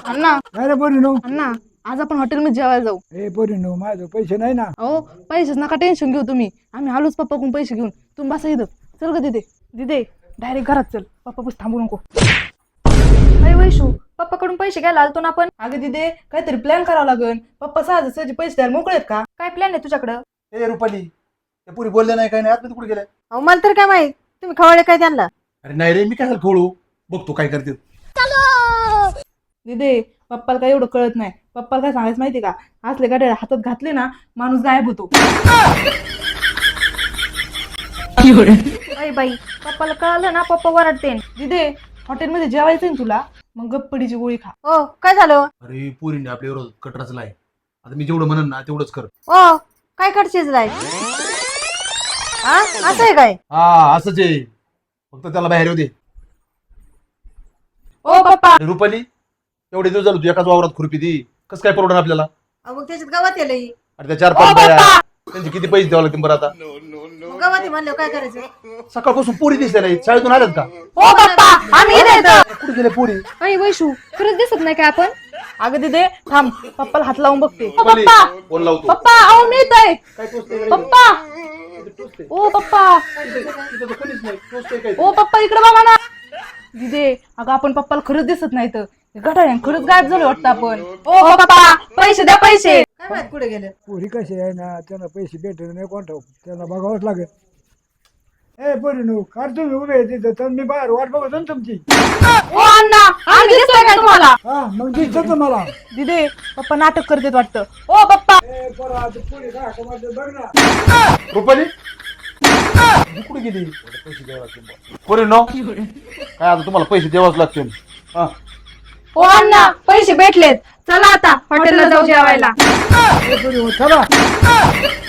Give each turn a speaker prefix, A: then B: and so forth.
A: अण्णा
B: काय रे पोरीनो?
A: अण्णा आज आपण हॉटेलमध्ये जेवायला जाऊ.
B: ए पोरीनो, माझं पैसे नाही ना.
A: अहो पैसेच नका टेन्शन घेऊ तुम्ही. आम्ही आलोच पप्पाकडून पैसे घेऊन. तुम्ही बसा इथं. चल ग दिदे. दिदे डायरेक्ट घरात चल. पप्पा बस थांबू नको.
C: अरे वैशू, पप्पाकडून पैसे घ्यायला आलतो ना आपण.
A: अगं दिदे काहीतरी प्लॅन करावा लागेल. पप्पा सहज पैसे द्यायला मोकळे आहेत का?
C: काय प्लॅन आहे तुझ्याकडं?
D: ए रुपाली, त्या पुरी बोलले नाही काय नाही, आतमध्ये कुठे गेले?
C: अहो मला तर काय माहित, तुम्ही खवळे काय त्यांना?
D: अरे नाही रे, मी काय खोळू बघतो काय करते.
A: दिदे पप्पाला काय एवढं कळत नाही. पप्पाला काय सांगायचं माहिती का? असले गाड्या हातात घातले ना माणूस गायब होतो.
C: अरे बाई, पप्पाला कळलं ना पप्पा वरडते.
A: दिदे हॉटेलमध्ये जेवायचं ना तुला, मग गप्पडीची गोळी खा.
C: ओ काय झालं?
D: अरे पोरीने आपल्या विरोधात कट रचलाय. आता मी जेवढं म्हणन ना तेवढंच कर.
C: ओ काय करशील राय? हा असं आहे काय?
D: हा असंच आहे, फक्त त्याला बाहेर येऊ दे.
A: ओ पप्पा
D: अरे रुपाली, एवढे दिवस झालो तू एकाच वावरात खुरपी दी, कसं काय परवडणार आपल्याला?
C: मग त्याच्यात गावात येलं.
D: अरे त्या 4-5 बाया, त्यांचे किती पैसे द्यावे लागतील बरं आता?
C: गावात म्हणलं काय करायचं?
D: सकाळपासून पोरी दिसल्या नाही, शाळेतून आल्यात का?
A: ओ पप्पा आम्ही इथे.
D: कुठे गेले पोरी?
C: अरे वैशू, खरंच दिसत नाही काय आपण?
A: अगं दिदे थांब, पप्पाला हात लावून बघते. ओ
D: रुपाली,
A: पप्पा
D: फोन लावतो.
A: पप्पा अहो मी येतोय.
D: काय टोचतंय?
A: पप्पा ओ पप्पा
D: तिथं तर कोणीच नाही, टोचतंय काय?
A: ओ पप्पा इकडे बघा ना. दिदे अगं आपण पप्पाला खरंच दिसत नाही तर गटाऱ्यान खरंच गायब झालो वाटतं आपण. ओ पप्पा पैसे द्या पैसे.
C: काय माहित कुठे गेले?
B: पोरी कशी आहे ना, त्यांना पैसे भेटत नाही कोण ठाऊक, त्यांना बघावंच लागेल. ए पोरीनो, कार तुम्ही उभे आहे तिथं, तर मी बाहेर वाट बघत ना तुमची.
A: ओ अण्णा आम्ही दिसतोय का तुम्हाला?
B: हा मग दिसत मला.
A: दिदे पप्पा नाटक करतेत वाटतं. ओ पप्पा
B: ए पोरा, आता पोरी काय हाका मारते बघ ना.
D: रुपाली ही कुठे गेली? पैसे द्यावे लागतील पोरी नो, काय आता तुम्हाला पैसे द्यावाच लागतील. हा
C: ओ अण्णा पैसे भेटलेत, चला आता हॉटेलला जाऊ जेवायला.
B: ए पोरी, चला.